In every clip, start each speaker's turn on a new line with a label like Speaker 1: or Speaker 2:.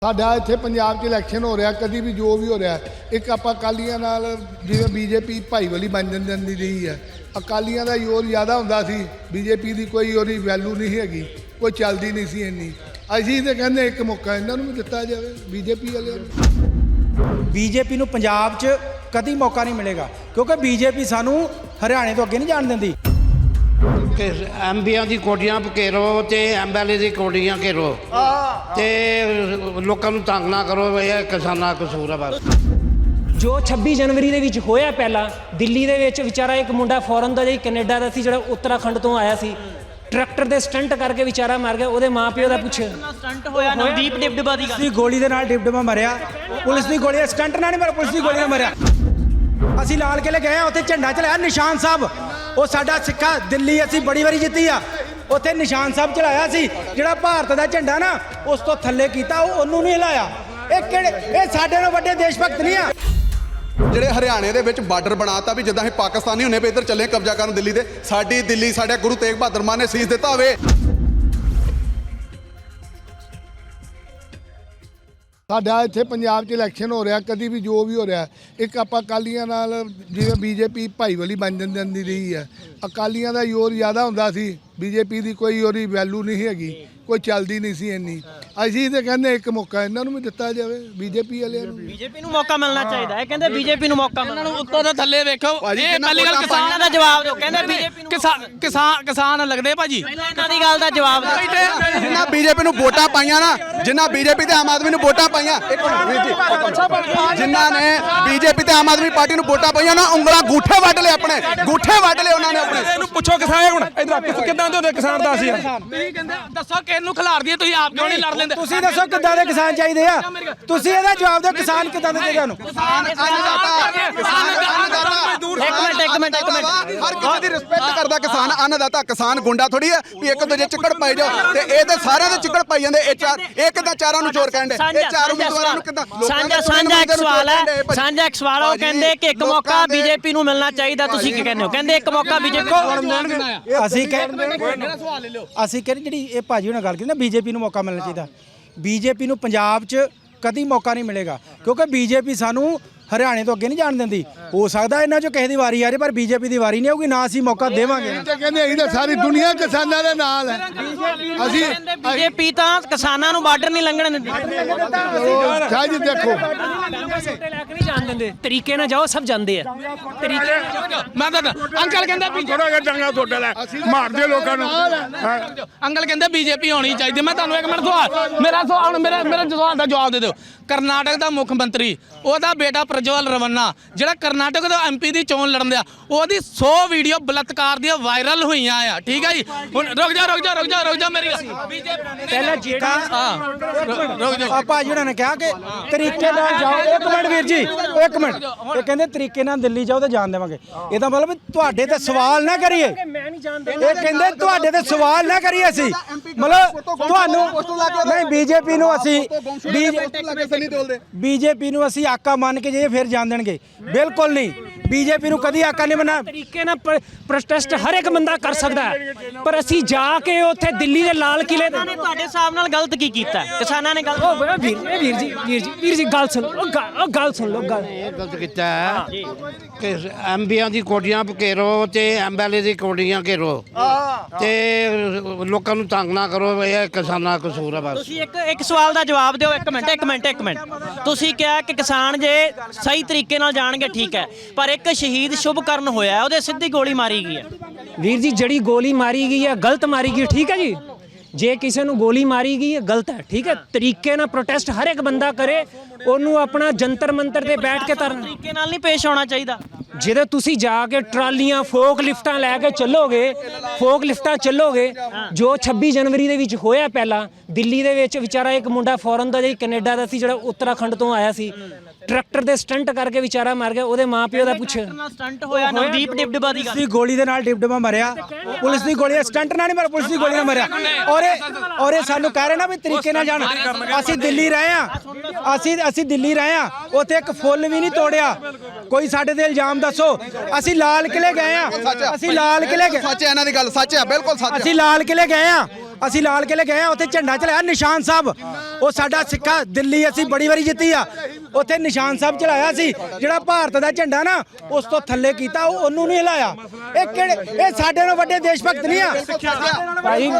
Speaker 1: ਸਾਡਾ ਇੱਥੇ ਪੰਜਾਬ 'ਚ ਇਲੈਕਸ਼ਨ ਹੋ ਰਿਹਾ, ਕਦੀ ਵੀ ਜੋ ਵੀ ਹੋ ਰਿਹਾ, ਇੱਕ ਆਪਾਂ ਅਕਾਲੀਆਂ ਨਾਲ ਜਿਵੇਂ ਬੀਜੇਪੀ ਭਾਈਵਾਲੀ ਬਣ ਜਾਂਦੀ ਰਹੀ ਹੈ। ਅਕਾਲੀਆਂ ਦਾ ਜ਼ੋਰ ਜ਼ਿਆਦਾ ਹੁੰਦਾ ਸੀ, ਬੀਜੇਪੀ ਦੀ ਕੋਈ ਉਹਦੀ ਵੈਲਿਊ ਨਹੀਂ ਹੈਗੀ, ਕੋਈ ਚੱਲਦੀ ਨਹੀਂ ਸੀ ਇੰਨੀ। ਅਸੀਂ ਤਾਂ ਕਹਿੰਦੇ ਇੱਕ ਮੌਕਾ ਇਹਨਾਂ ਨੂੰ ਵੀ ਦਿੱਤਾ ਜਾਵੇ, ਬੀਜੇਪੀ ਵਾਲਿਆਂ ਨੂੰ।
Speaker 2: ਬੀਜੇਪੀ ਨੂੰ ਪੰਜਾਬ 'ਚ ਕਦੀ ਮੌਕਾ ਨਹੀਂ ਮਿਲੇਗਾ, ਕਿਉਂਕਿ ਬੀਜੇਪੀ ਸਾਨੂੰ ਹਰਿਆਣੇ ਤੋਂ ਅੱਗੇ ਨਹੀਂ ਜਾਣ ਦਿੰਦੀ।
Speaker 3: ਕਿ ਐਮਪੀਆਂ ਦੀ ਕੋਠੀਆਂ ਘੇਰੋ ਤੇ ਐਮਐਲਏ ਦੀ ਕੋਠੀਆਂ ਘੇਰੋ ਤੇ ਲੋਕਾਂ ਨੂੰ ਤੰਗ ਨਾ ਕਰੋ, ਇਹ ਕਿਸਾਨਾਂ ਦਾ ਕਸੂਰ ਹੈ ਬਸ।
Speaker 4: ਜੋ 26 ਜਨਵਰੀ ਦੇ ਵਿੱਚ ਹੋਇਆ, ਪਹਿਲਾਂ ਦਿੱਲੀ ਦੇ ਵਿੱਚ ਵਿਚਾਰਾ ਇੱਕ ਮੁੰਡਾ ਫੋਰਨ ਦਾ, ਕੈਨੇਡਾ ਦਾ ਸੀ, ਜਿਹੜਾ ਉੱਤਰਾਖੰਡ ਤੋਂ ਆਇਆ ਸੀ, ਟਰੈਕਟਰ ਦੇ ਸਟੰਟ ਕਰਕੇ ਵਿਚਾਰਾ ਮਰ ਗਿਆ। ਉਹਦੇ ਮਾਪਿਓ ਦਾ ਪੁੱਛ
Speaker 5: ਸਟੰਟ ਹੋਇਆ ਨਵਦੀਪ ਡਿਬਡਬਾ ਦੀ ਗੱਲ,
Speaker 2: ਗੋਲੀ ਦੇ ਨਾਲ ਡਿਬਡਬਾ ਮਰਿਆ, ਪੁਲਿਸ ਦੀ ਗੋਲੀ, ਸਟੰਟ ਨਾਲ ਨਹੀਂ ਮਰਿਆ, ਪੁਲਿਸ ਦੀ ਗੋਲੀ ਨਾਲ ਮਰਿਆ। ਅਸੀਂ ਲਾਲ ਕਿਲੇ ਗਏ ਆ, ਉੱਥੇ ਝੰਡਾ ਚਲਾਇਆ ਨਿਸ਼ਾਨ ਸਾਹਿਬ, ਉਹ ਸਾਡਾ ਸਿੱਖਾ ਦਿੱਲੀ ਅਸੀਂ ਬੜੀ ਵਾਰੀ ਜਿੱਤੀ ਆ, ਉੱਥੇ ਨਿਸ਼ਾਨ ਸਾਹਿਬ ਚਲਾਇਆ ਸੀ। ਜਿਹੜਾ ਭਾਰਤ ਦਾ ਝੰਡਾ ਨਾ ਉਸ ਤੋਂ ਥੱਲੇ ਕੀਤਾ, ਉਹਨੂੰ ਨਹੀਂ ਹਿਲਾਇਆ। ਇਹ ਸਾਡੇ ਨਾਲੋਂ ਵੱਡੇ ਦੇਸ਼ ਭਗਤ ਨਹੀਂ ਆ।
Speaker 6: ਜਿਹੜੇ ਹਰਿਆਣੇ ਦੇ ਵਿੱਚ ਬਾਰਡਰ ਬਣਾਤਾ ਵੀ ਜਿੱਦਾਂ ਅਸੀਂ ਪਾਕਿਸਤਾਨੀ ਹੁੰਨੇ ਪਏ ਇੱਧਰ ਚੱਲੇ ਕਬਜ਼ਾ ਕਰਨ ਦਿੱਲੀ ਦੇ। ਸਾਡੀ ਦਿੱਲੀ ਸਾਡੇ ਗੁਰੂ ਤੇਗ ਬਹਾਦਰ ਮਾਨ ਨੇ ਸੀਸ ਦਿੱਤਾ ਹੋਵੇ।
Speaker 1: ਸਾਡਾ ਇੱਥੇ ਪੰਜਾਬ 'ਚ ਇਲੈਕਸ਼ਨ ਹੋ ਰਿਹਾ, ਕਦੀ ਵੀ ਜੋ ਵੀ ਹੋ ਰਿਹਾ, ਇੱਕ ਆਪਾਂ ਅਕਾਲੀਆਂ ਨਾਲ ਜਿਵੇਂ ਬੀਜੇਪੀ ਭਾਈਵਾਲੀ ਬਣ ਜਾਂਦੀ ਰਹੀ ਹੈ। ਅਕਾਲੀਆਂ ਦਾ ਜ਼ੋਰ ਜ਼ਿਆਦਾ ਹੁੰਦਾ ਸੀ, ਬੀਜੇਪੀ ਦੀ ਕੋਈ ਉਹਦੀ ਵੈਲਿਊ ਨਹੀਂ ਹੈਗੀ, ਕੋਈ ਚੱਲਦੀ ਨਹੀਂ ਸੀ ਇੰਨੀ। ਅਸੀਂ ਤਾਂ ਕਹਿੰਦੇ ਇੱਕ ਮੌਕਾ ਇਹਨਾਂ ਨੂੰ ਵੀ ਦਿੱਤਾ ਜਾਵੇ, ਬੀਜੇਪੀ ਵਾਲਿਆਂ ਨੂੰ।
Speaker 5: ਬੀਜੇਪੀ ਨੂੰ ਮੌਕਾ ਮਿਲਣਾ ਚਾਹੀਦਾ ਹੈ, ਕਹਿੰਦੇ ਬੀਜੇਪੀ ਨੂੰ ਮੌਕਾ ਮਿਲਣਾ।
Speaker 7: ਇਹਨਾਂ ਨੂੰ ਉੱਤੋਂ ਤੋਂ ਥੱਲੇ ਵੇਖੋ। ਇਹ ਪਹਿਲੀ ਗੱਲ
Speaker 5: ਕਿਸਾਨਾਂ ਦਾ ਜਵਾਬ ਦਿਓ, ਕਹਿੰਦੇ ਬੀਜੇਪੀ ਨੂੰ
Speaker 7: ਕਿਸਾਨ ਲੱਗਦੇ ਭਾਜੀ।
Speaker 5: ਪਹਿਲਾਂ ਇਹਨਾਂ ਦੀ ਗੱਲ ਦਾ ਜਵਾਬ ਦਿਓ।
Speaker 6: ਜਿਨ੍ਹਾਂ ਬੀਜੇਪੀ ਨੂੰ ਵੋਟਾਂ ਪਾਈਆਂ ਨਾ, ਜਿਨ੍ਹਾਂ ਬੀਜੇਪੀ ਤੇ ਆਮ ਆਦਮੀ ਨੂੰ ਵੋਟਾਂ ਪਾਈਆਂ, ਇੱਕ ਮਿੰਟ ਵੀਰ ਜੀ, ਜਿਨ੍ਹਾਂ ਨੇ ਬੀਜੇਪੀ ਤੇ ਆਮ ਆਦਮੀ ਪਾਰਟੀ ਨੂੰ ਵੋਟਾਂ ਪਾਈਆਂ ਨਾ, ਉਂਗਲਾਂ ਗੂਠੇ ਵੱਢ ਲਏ, ਆਪਣੇ ਗੂਠੇ ਵੱਢ ਲਏ ਉਹਨਾਂ ਨੇ ਆਪਣੇ।
Speaker 7: ਇਹਨੂੰ ਪੁੱਛੋ ਕਿਸਾਨ ਹੁਣ ਇਧਰ ਕਿੱਦਾਂ ਦੇ ਹੁੰਦੇ ਕਿਸਾਨ ਦਾ ਅਸੀਂ। ਤੁਸੀਂ ਕਹਿੰਦੇ ਦੱਸੋ ਕਿਸ ਨੂੰ ਖਿਲਾਰ ਦਈਏ, ਤੁਸੀਂ ਆਪ ਕਿਉਂ ਨਹੀਂ ਲੜ ਲੈਂਦੇ?
Speaker 2: ਤੁਸੀਂ ਦੱਸੋ ਕਿੱਦਾਂ ਦੇ ਕਿਸਾਨ ਚਾਹੀਦੇ ਆ, ਤੁਸੀਂ ਇਹਦਾ ਜਵਾਬ ਦਿਓ। ਕਿਸਾਨ ਕਿੱਦਾਂ ਦੇ ਚਾਹੀਦੇ ਨੂੰ?
Speaker 5: ਇੱਕ ਮਿੰਟ
Speaker 6: ਹਰ ਕਿਸੇ ਦੀ ਰਿਸਪੈਕਟ ਕਰਦਾ ਕਿਸਾਨ, ਅੰਨਦਾਤਾ। ਕਿਸਾਨ ਗੁੰਡਾ ਥੋੜੀ ਹੈ ਵੀ ਇੱਕ ਦੂਜੇ ਚਿੱਕੜ ਪਾਈ ਜਾਓ, ਤੇ ਇਹ ਤੇ ਸਾਰਿਆਂ ਦੇ ਚਿੱਕੜ ਪਾਈ ਜਾਂਦੇ। ਇਹ ਕਿੱਦਾਂ ਚਾਰਾਂ ਨੂੰ ਚੋਰ ਕਹਿੰਦੇ? ਇਹ ਚਾਰ ਉਮੀਦਵਾਰਾਂ ਨੂੰ ਕਿੱਦਾਂ?
Speaker 5: ਸਾਂਝਾ ਇੱਕ ਸਵਾਲ ਹੈ, ਸਾਂਝਾ ਇੱਕ ਸਵਾਲ। ਉਹ ਕਹਿੰਦੇ ਕਿ ਇੱਕ ਮੌਕਾ ਬੀਜੇਪੀ ਨੂੰ ਮਿਲਣਾ ਚਾਹੀਦਾ, ਤੁਸੀਂ ਕੀ ਕਹਿੰਦੇ ਹੋ? ਕਹਿੰਦੇ ਇੱਕ ਮੌਕਾ ਬੀਜੇਪੀ
Speaker 2: ਅਸੀਂ ਕਹਿੰਦੇ ਜਿਹੜੀ ਇਹ ਭਾਜੀ ਉਹਨਾਂ ਗੱਲ ਕੀਤੀ ਨਾ, ਬੀਜੇਪੀ ਨੂੰ ਮੌਕਾ ਮਿਲਣਾ ਚਾਹੀਦਾ। ਬੀਜੇਪੀ ਨੂੰ ਪੰਜਾਬ 'ਚ ਕਦੀ ਮੌਕਾ ਨਹੀਂ ਮਿਲੇਗਾ, ਕਿਉਂਕਿ ਬੀਜੇਪੀ ਸਾਨੂੰ ਹਰਿਆਣੇ ਤੋਂ ਅੱਗੇ ਨਹੀਂ ਜਾਣ ਦਿੰਦੀ। ਹੋ ਸਕਦਾ ਇਹਨਾਂ 'ਚੋਂ ਕਿਸੇ ਦੀ ਵਾਰੀ ਆ ਜਾਏ, ਪਰ ਬੀਜੇਪੀ ਦੀ ਵਾਰੀ ਨਹੀਂ ਆਊਗੀ, ਨਾ ਅਸੀਂ ਮੌਕਾ ਦੇਵਾਂਗੇ।
Speaker 1: ਕਹਿੰਦੇ ਅਸੀਂ ਤਾਂ ਸਾਰੀ ਦੁਨੀਆ ਕਿਸਾਨਾਂ ਦੇ ਨਾਲ ਹੈ। ਅਸੀਂ
Speaker 5: ਬੀਜੇਪੀ ਤਾਂ ਕਿਸਾਨਾਂ ਨੂੰ ਬਾਰਡਰ ਨਹੀਂ ਲੰਘਣ ਦਿੰਦੀ।
Speaker 1: ਸਾਜ ਦੇਖੋ,
Speaker 4: ਲੈ ਕੇ ਨਹੀਂ ਜਾਣ ਦਿੰਦੇ, ਤਰੀਕੇ ਨਾਲ ਜਾਓ, ਸਭ ਜਾਂਦੇ ਆ ਤਰੀਕੇ।
Speaker 7: ਮੈਂ ਤਾਂ ਅੰਕਲ ਕਹਿੰਦਾ
Speaker 8: ਥੋੜਾ ਜਿਹਾ ਚੰਗਾ ਤੁਹਾਡਾ ਲੈ ਮਾਰਦੇ ਲੋਕਾਂ ਨੂੰ।
Speaker 7: ਅੰਕਲ ਕਹਿੰਦੇ ਬੀਜੇਪੀ ਹੋਣੀ ਚਾਹੀਦੀ। ਮੈਂ ਤੁਹਾਨੂੰ ਇੱਕ ਮਿੰਟ ਸਵਾਲ, ਮੇਰਾ ਸਵਾਲ ਦਾ ਜਵਾਬ ਦੇ ਦਿਓ। ਕਰਨਾਟਕ ਦਾ ਮੁੱਖ ਮੰਤਰੀ, ਉਹਦਾ ਬੇਟਾ ਪ੍ਰਜਵਲ ਰਵੰਨਾ, ਜਿਹੜਾ ਕਰਨਾਟਕ ਦਾ ਐਮਪੀ ਦੀ ਚੋਣ ਲੜਨ ਦਿਆ, ਉਹਦੀ 100 ਵੀਡੀਓ ਬਲਾਤਕਾਰ ਦੀਆਂ ਵਾਇਰਲ ਹੋਈਆਂ ਆ। ਠੀਕ ਹੈ ਜੀ, ਹੁਣ ਰੁਕ ਜਾ ਮੇਰੀ
Speaker 2: ਪਹਿਲਾਂ ਜਿਹੜਾ ਭਾਜੀ ਉਹਨਾਂ ਨੇ ਕਿਹਾ ਕਿ ਤਰੀਕੇ ਨਾਲ ਜਾਓ। ਇੱਕ ਮਿੰਟ ਵੀਰ ਜੀ, ਇੱਕ ਮਿੰਟ। ਇਹ ਕਹਿੰਦੇ ਤਰੀਕੇ ਨਾਲ ਦਿੱਲੀ ਜਾਓ ਤਾਂ ਜਾਣ ਦੇਵਾਂਗੇ। ਇਹਦਾ ਮਤਲਬ ਤੁਹਾਡੇ ਤੇ ਸਵਾਲ ਨਾ ਕਰੀਏ। ਇਹ ਕਹਿੰਦੇ ਤੁਹਾਡੇ ਤੇ ਸਵਾਲ ਨਾ ਕਰੀਏ ਅਸੀਂ, ਮਤਲਬ ਤੁਹਾਨੂੰ ਨਹੀਂ। ਬੀਜੇਪੀ ਨੂੰ ਅਸੀਂ ਆਕਾ ਮੰਨ ਕੇ ਜੇ ਫਿਰ ਜਾਣ ਦੇਣਗੇ? ਬਿਲਕੁਲ ਨਹੀਂ। ਬੀਜੇਪੀ ਨੂੰ ਕਦੀ ਆਕਾ ਨਹੀਂ ਬਣਾ।
Speaker 4: ਤਰੀਕੇ ਨਾਲ ਪ੍ਰੋਟੈਸਟ ਹਰ ਇੱਕ ਬੰਦਾ ਕਰ ਸਕਦਾ ਹੈ, ਪਰ ਅਸੀਂ ਜਾ ਕੇ ਉੱਥੇ ਦਿੱਲੀ ਦੇ ਲਾਲ ਕਿਲੇ ਤੇ
Speaker 5: ਤੁਹਾਡੇ ਹਿਸਾਬ ਨਾਲ ਗਲਤ ਕੀ ਕੀਤਾ ਕਿਸਾਨਾਂ ਨੇ? ਗਲਤ
Speaker 4: ਵੀਰ ਜੀ ਗੱਲ ਸੁਣ, ਉਹ ਗੱਲ ਸੁਣ ਲਓ।
Speaker 3: ਇਹ ਗਲਤ ਕੀਤਾ ਹੈ ਕਿ ਐਮਪੀਆਂ ਦੀ ਕੋਠੀਆਂ ਘੇਰੋ ਤੇ ਐਮਐਲਏ ਦੀ ਕੋਠੀਆਂ ਘੇਰੋ ਤੇ ਲੋਕਾਂ ਨੂੰ ਤੰਗ ਨਾ ਕਰੋ, ਇਹ ਕਿਸਾਨਾਂ ਦਾ ਕਸੂਰ ਹੈ ਬਸ।
Speaker 5: ਤੁਸੀਂ ਇੱਕ ਸਵਾਲ ਦਾ ਜਵਾਬ ਦਿਓ। ਇੱਕ ਮਿੰਟ। ਤੁਸੀਂ ਕਿਹਾ ਕਿ ਕਿਸਾਨ ਜੇ ਸਹੀ ਤਰੀਕੇ ਨਾਲ ਜਾਣਗੇ ਠੀਕ ਹੈ, ਪਰ ਇੱਕ ਸ਼ਹੀਦ ਸ਼ੁਭਕਰਨ ਹੋਇਆ, ਉਹਦੇ ਸਿੱਧੀ ਗੋਲੀ ਮਾਰੀ ਗਈ ਹੈ।
Speaker 4: ਵੀਰ ਜੀ, ਜਿਹੜੀ ਗੋਲੀ ਮਾਰੀ ਗਈ ਹੈ ਗਲਤ ਮਾਰੀ ਗਈ, ਠੀਕ ਹੈ ਜੀ। ਜੇ ਕਿਸੇ ਨੂੰ ਗੋਲੀ ਮਾਰੀ ਗਈ ਹੈ ਗਲਤ ਹੈ, ਠੀਕ ਹੈ। ਤਰੀਕੇ ਨਾਲ ਪ੍ਰੋਟੈਸਟ ਹਰ ਇੱਕ ਬੰਦਾ ਕਰੇ, ਉਹਨੂੰ ਆਪਣਾ ਜੰਤਰ ਮੰਤਰ ਤੇ ਬੈਠ ਕੇ ਕਰਨਾ।
Speaker 5: ਤਰੀਕੇ ਨਾਲ ਨਹੀਂ ਪੇਸ਼ ਆਉਣਾ ਚਾਹੀਦਾ।
Speaker 4: ਜਦੋਂ ਤੁਸੀਂ ਜਾ ਕੇ ਟਰਾਲੀਆਂ ਫੋਕ ਲਿਫਟਾਂ ਲੈ ਕੇ ਚੱਲੋਗੇ, ਜੋ 26 ਜਨਵਰੀ ਦੇ ਵਿੱਚ ਹੋਇਆ, ਪਹਿਲਾਂ ਦਿੱਲੀ ਦੇ ਵਿੱਚ ਵਿਚਾਰਾ ਇੱਕ ਮੁੰਡਾ ਫੋਰਨ ਦਾ, ਕੈਨੇਡਾ ਦਾ ਸੀ, ਜਿਹੜਾ ਉੱਤਰਾਖੰਡ ਤੋਂ ਆਇਆ ਸੀ, ਟਰੈਕਟਰ ਦੇ ਸਟੰਟ ਕਰਕੇ ਵਿਚਾਰਾ ਮਰ ਗਿਆ। ਉਹਦੇ ਮਾਪਿਓ ਦਾ ਪੁੱਛ
Speaker 5: ਸਟੰਟ ਹੋਇਆ ਨਵਦੀਪ ਡਿਬਡਬਾ ਦੀ ਗੱਲ,
Speaker 2: ਗੋਲੀ ਦੇ ਨਾਲ ਡਿਬਡਬਾ ਮਰਿਆ, ਪੁਲਿਸ ਦੀ ਗੋਲੀ, ਸਟੰਟ ਨਾਲ ਨਹੀਂ ਮਰਿਆ, ਪੁਲਿਸ ਦੀ ਗੋਲੀ ਨਾਲ ਮਰਿਆ। ਔਰ ਇਹ ਸਾਨੂੰ ਕਹਿ ਰਹੇ ਨਾ ਵੀ ਤਰੀਕੇ ਨਾਲ ਜਾਣ। ਅਸੀਂ ਦਿੱਲੀ ਰਹੇ ਆ, ਉੱਥੇ ਇੱਕ ਫੁੱਲ ਵੀ ਨਹੀਂ ਤੋੜਿਆ। ਕੋਈ ਸਾਡੇ ਤੇ ਇਲਜ਼ਾਮ ਦੱਸੋ। ਅਸੀਂ ਲਾਲ ਕਿਲੇ ਗਏ ਆ,
Speaker 6: ਸੱਚ ਹੈ ਇਹਨਾਂ ਦੀ ਗੱਲ, ਸੱਚ ਹੈ, ਬਿਲਕੁਲ ਸੱਚ ਹੈ।
Speaker 2: ਅਸੀਂ ਲਾਲ ਕਿਲੇ ਗਏ ਆ, ਅਸੀਂ ਲਾਲ ਕਿਲੇ ਗਏ ਆ, ਉੱਥੇ ਝੰਡਾ ਚਲਾਇਆ ਨਿਸ਼ਾਨ ਸਾਹਿਬ। ਉਹ ਸਾਡਾ ਸਿੱਕਾ ਦਿੱਲੀ ਅਸੀਂ ਬੜੀ ਵਾਰੀ ਜਿੱਤੀ ਆ, ਉੱਥੇ ਨਿਸ਼ਾਨ ਸਾਹਿਬ ਚਲਾਇਆ ਸੀ। ਜਿਹੜਾ ਭਾਰਤ ਦਾ ਝੰਡਾ ਨਾ ਉਸ ਤੋਂ ਥੱਲੇ ਕੀਤਾ, ਉਹਨੂੰ ਨਹੀਂ ਹਿਲਾਇਆ। ਇਹ ਕਿਹੜੇ, ਇਹ ਸਾਡੇ ਨਾਲੋਂ ਵੱਡੇ ਦੇਸ਼ ਭਗਤ ਨਹੀਂ ਆ ਭਾਈ।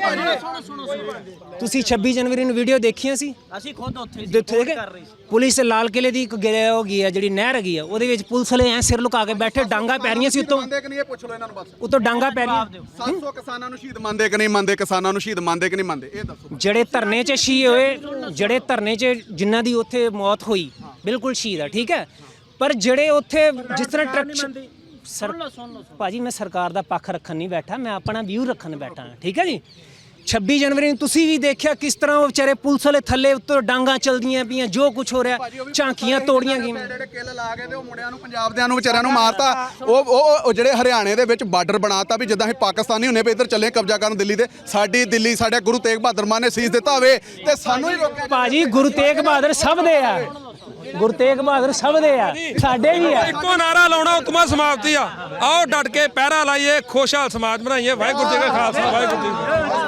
Speaker 2: ਤੁਸੀਂ 26 ਜਨਵਰੀ ਨੂੰ ਵੀਡੀਓ ਦੇਖੀਆਂ ਸੀ?
Speaker 5: ਅਸੀਂ ਖੁਦ ਉੱਥੇ
Speaker 2: ਦੇਖੇ ਪੁਲਿਸ ਲਾਲ ਕਿਲੇ ਦੀ ਇੱਕ ਹੋ ਗਈ ਹੈ ਜਿਹੜੀ ਨਹਿਰ ਹੈਗੀ ਆ, ਉਹਦੇ ਵਿੱਚ ਪੁਲਿਸ ਵਾਲੇ ਐ ਸਿਰ ਲੁਕਾ ਕੇ ਬੈਠੇ, ਡਾਂਗਾ ਪੈ ਰਹੀਆਂ ਸੀ ਉੱਤੋਂ,
Speaker 6: ਇਹ ਪੁੱਛ ਲਓ ਇਹਨਾਂ ਨੂੰ ਬਸ।
Speaker 2: ਉੱਤੋਂ ਡਾਂਗਾ ਪੈ ਰਹੀਆਂ।
Speaker 6: 700 ਕਿਸਾਨਾਂ ਨੂੰ ਸ਼ਹੀਦ ਮੰਨਦੇ ਕਿ ਨਹੀਂ ਮੰਨਦੇ? ਕਿਸਾਨਾਂ ਨੂੰ ਸ਼ਹੀਦ ਮੰਨਦੇ ਕਿ ਨਹੀਂ ਮੰਨਦੇ? ਇਹ ਦੱਸੋ।
Speaker 4: ਜਿਹੜੇ ਧਰਨੇ 'ਚ ਸ਼ਹੀਦ ਹੋਏ, ਜਿਹੜੇ ਧਰਨੇ 'ਚ ਜਿਨ੍ਹਾਂ ਦੀ ਉੱਥੇ ਮੌਤ ਹੋਈ, ਬਿਲਕੁਲ ਸ਼ਹੀਦ ਆ, ਠੀਕ ਹੈ। ਪਰ ਜਿਹੜੇ ਉੱਥੇ ਜਿਸ ਤਰ੍ਹਾਂ ਭਾਜੀ, ਮੈਂ ਸਰਕਾਰ ਦਾ ਪੱਖ ਰੱਖਣ ਨਹੀਂ ਬੈਠਾ, ਮੈਂ ਆਪਣਾ ਵਿਊ ਰੱਖਣ ਬੈਠਾ, ਠੀਕ ਹੈ ਜੀ। 26 ਜਨਵਰੀ ਨੂੰ ਤੁਸੀਂ ਵੀ ਦੇਖਿਆ ਕਿਸ ਤਰ੍ਹਾਂ ਉਹ ਵਿਚਾਰੇ ਪੁਲਿਸ ਵਾਲੇ ਥੱਲੇ ਉੱਤੋਂ ਡਾਂਗਾ ਚਲਦੀਆਂ ਪਈਆਂ, ਜੋ ਕੁਝ ਹੋ ਰਿਹਾ, ਝਾਂਕੀਆਂ ਤੋੜੀਆਂ ਗਈਆਂ।
Speaker 6: ਜਿਹੜੇ ਕਿੱਲ ਲਾ ਕੇ ਤੇ ਉਹ ਮੁੰਡਿਆਂ ਨੂੰ, ਪੰਜਾਬ ਦਿਆਂ ਨੂੰ, ਵਿਚਾਰਿਆਂ ਨੂੰ ਮਾਰਤਾ। ਉਹ ਜਿਹੜੇ ਹਰਿਆਣੇ ਦੇ ਵਿੱਚ ਬਾਰਡਰ ਬਣਾਤਾ ਵੀ ਜਿੱਦਾਂ ਅਸੀਂ ਪਾਕਿਸਤਾਨੀ ਹੁੰਨੇ ਪਏ ਇੱਧਰ ਚੱਲੇ ਕਬਜ਼ਾ ਕਰਨ ਦਿੱਲੀ ਤੇ। ਸਾਡੀ ਦਿੱਲੀ ਸਾਡੇ ਗੁਰੂ ਤੇਗ ਬਹਾਦਰ ਮਾਨ ਨੇ ਸੀਸ ਦਿੱਤਾ ਹੋਵੇ ਤੇ ਸਾਨੂੰ ਹੀ ਰੋਕਿਆ।
Speaker 4: ਭਾਜੀ ਗੁਰੂ ਤੇਗ ਬਹਾਦਰ ਸਭ ਦੇ ਆ, ਗੁਰੂ ਤੇਗ ਬਹਾਦਰ ਸਭ ਦੇ ਆ, ਸਾਡੇ ਵੀ ਆ।
Speaker 9: ਇੱਕੋ ਨਾਰਾ ਲਾਉਣਾ, ਉਤਮਾ ਸਮਾਪਤੀ ਆ। ਆਓ ਡਟ ਕੇ ਪਹਿਰਾ ਲਾਈਏ, ਖੁਸ਼ਹਾਲ ਸਮਾਜ ਬਣਾਈਏ। ਵਾਹਿਗੁਰੂ ਜੀ ਕਾ ਖਾਲਸਾ, ਵਾਹਿਗੁਰੂ ਜੀ ਕੀ ਫਤਿਹ।